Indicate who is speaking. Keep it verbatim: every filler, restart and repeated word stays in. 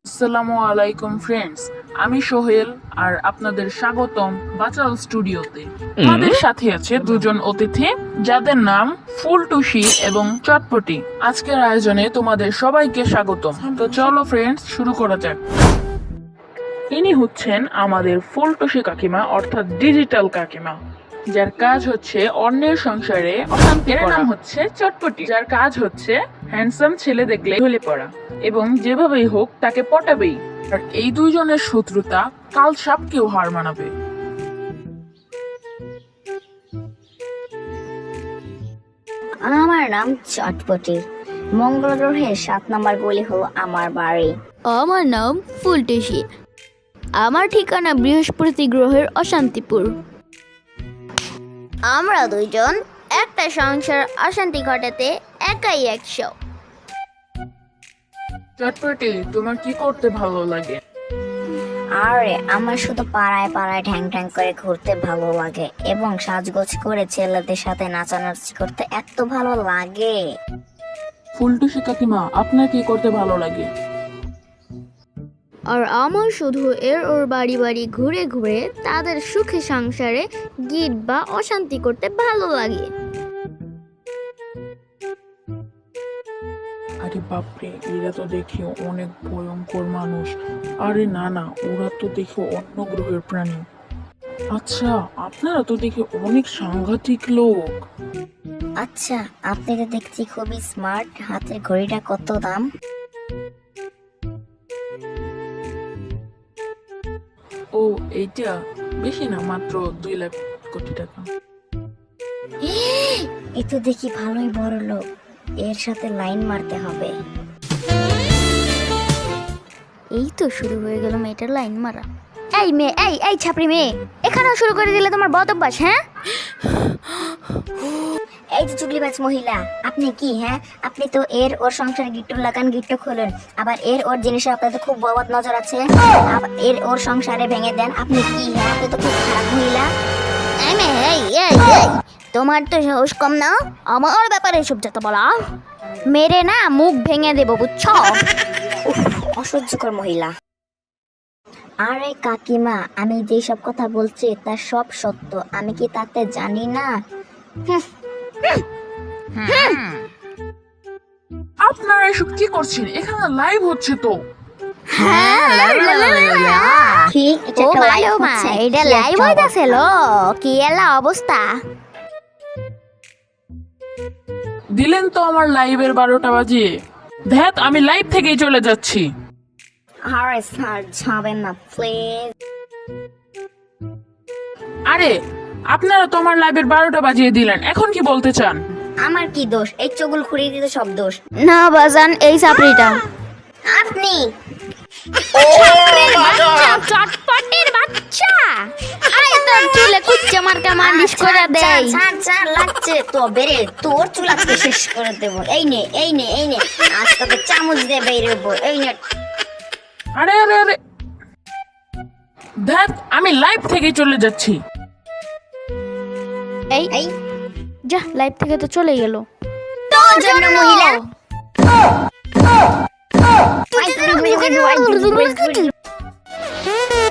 Speaker 1: আসসালামু আলাইকুম ফ্রেন্ডস, আমি সোহেল আর আপনাদের স্বাগতম বাচাল স্টুডিওতে। আমাদের সাথে আছে দুজন অতিথি যাদের নাম ফুলটুসি এবং চটপটি। আজকের আয়োজনে তোমাদের সবাইকে স্বাগতম। তো চলো ফ্রেন্ডস, শুরু করা যাক। ইনি হচ্ছেন আমাদের ফুলটুসি কাকিমা, অর্থাৎ ডিজিটাল কাকিমা, যার কাজ হচ্ছে অন্যের সংসারে অশান্তি করা। নাম হচ্ছে চটপটি, যার কাজ হচ্ছে হ্যান্ডসাম ছেলে দেখলে ঢলে পড়া এবং যেভাবেই হোক তাকে পটাবেই। আর এই দুইজনের শত্রুতা কাল সাপকেও হার মানাবে।
Speaker 2: আমার নাম চটপটি। মঙ্গল গ্রহের সাত নম্বর গলি হলো আমার বাড়ি।
Speaker 3: আমার নাম ফুলটুসি। আমার ঠিকানা বৃহস্পতি গ্রহের অশান্তিপুর। আমরা দুইজন একটা সংসার অশান্তি ঘটাতে একাই একশো।
Speaker 1: চটপটি, তোমার কি করতে ভালো লাগে?
Speaker 2: আরে আমার শুধু পাড়ায় পাড়ায় ঢ্যাং ঢ্যাং করে ঘুরতে ভালো লাগে এবং সাজগোজ করে ছেলেদের সাথে নাচানাচি করতে এত ভালো লাগে।
Speaker 1: ফুলটুসি কাকিমা, আপনার কি করতে ভালো লাগে?
Speaker 3: আর আমার শুধু এর ওর বাড়ি বাড়ি ঘুরে ঘুরে তাদের সুখে সংসারে গিট বা অশান্তি করতে ভালো লাগে।
Speaker 1: আরে বাপরে, এরা তো দেখি অনেক ভয়ঙ্কর মানুষ। আরে না না, ওরা তো দেখি অন্য গ্রহের প্রাণী। আচ্ছা, আপনারা তো দেখি অনেক সাংঘাতিক লোক।
Speaker 2: আচ্ছা, আপনি তো দেখছি খুবই স্মার্ট। হাতের ঘড়িটা কত দাম?
Speaker 1: ও, এইটা বেশি না, মাত্র দুই লাখ কোটি টাকা।
Speaker 2: এ তো দেখি ভালোই বড় লোক। এর সাথে লাইন মারতে হবে।
Speaker 3: এই তো শুরু হয়ে গেল মেয়েটার লাইন মারা। এই মেয়ে, এই এই ছাপড়ি মেয়ে, এখানেও শুরু করে দিলে তোমার বদ অভ্যাস, হ্যাঁ?
Speaker 2: এই যে চুগলিবাজ মহিলা, আপনি কি হ্যাঁ আপনি তো এর ওর সংসারে গিট্টু লাগান, গিট্টু খোলেন, আবার এর ওর জিনিসে আপনার তো খুব বদ নজর আছে। আবার এর ওর সংসারে ভেঙে দেন। আপনি কি হ্যাঁ আপনি তো খুব খারাপ মহিলা।
Speaker 3: এই মেয়ে, এই এই এই, তোমার তো সাহস কম না আমার ব্যাপারে এসব যত বলা। মেরে না মুখ ভেঙে দেবো, বুঝছো?
Speaker 2: উফ, অসহ্যকর মহিলা। আরে কাকিমা, আমি যেই সব কথা বলছি তা সব সত্য। আমি কি তাতে জানি না? হুঁ,
Speaker 1: আপনারা এসব কি করছেন? এখানে লাইভ হচ্ছে তো।
Speaker 2: কি এটা
Speaker 3: ও
Speaker 2: একটা
Speaker 3: মা,
Speaker 2: live
Speaker 3: ও মা,
Speaker 2: হচ্ছে?
Speaker 3: এটা
Speaker 2: কি
Speaker 3: লাইভ
Speaker 2: একটা
Speaker 3: হইতাছে লো, কি এলা অবস্থা?
Speaker 1: দিলেন তো আমার লাইভের বারোটা বাজিয়ে। ধ্যাত, আমি লাইভ থেকেই চলে যাচ্ছি।
Speaker 2: আরে স্যার, যাবেন না প্লিজ।
Speaker 1: আরে, আপনারা তো আমার লাইভের বারোটা বাজিয়ে দিলেন, এখন কি বলতে চান?
Speaker 2: আমার কি দোষ? এই চগুল খুঁড়িয়ে দিতে সব দোষ।
Speaker 3: না বাজান, এই চাপড়িটা।
Speaker 2: আপনি
Speaker 3: চটপটির বাচ্চা, আয় তোর চুলে কুচ্চা মার্কা মালিশ করে দেই।
Speaker 2: ছাড় ছাড়, লাগছে তো বেরে, তোর চুল আজকে শেষ করে দেবো। এই নে এই নে এই নে, আজ তোকে চামচ দিয়ে বেরোবো। এই নে।
Speaker 1: আরে আরে আরে, ধ্যাত, আমি লাইভ থেকেই চলে যাচ্ছি।
Speaker 3: এই
Speaker 2: এই
Speaker 3: যা, লাইভ থেকে তো চলে গেল।
Speaker 2: তোর জন্য মহিলা। আই, ঘুরি, ঘুরি, ঘুরি, ঘুরি, ঘুরি, ঘুরি, ঘুরি।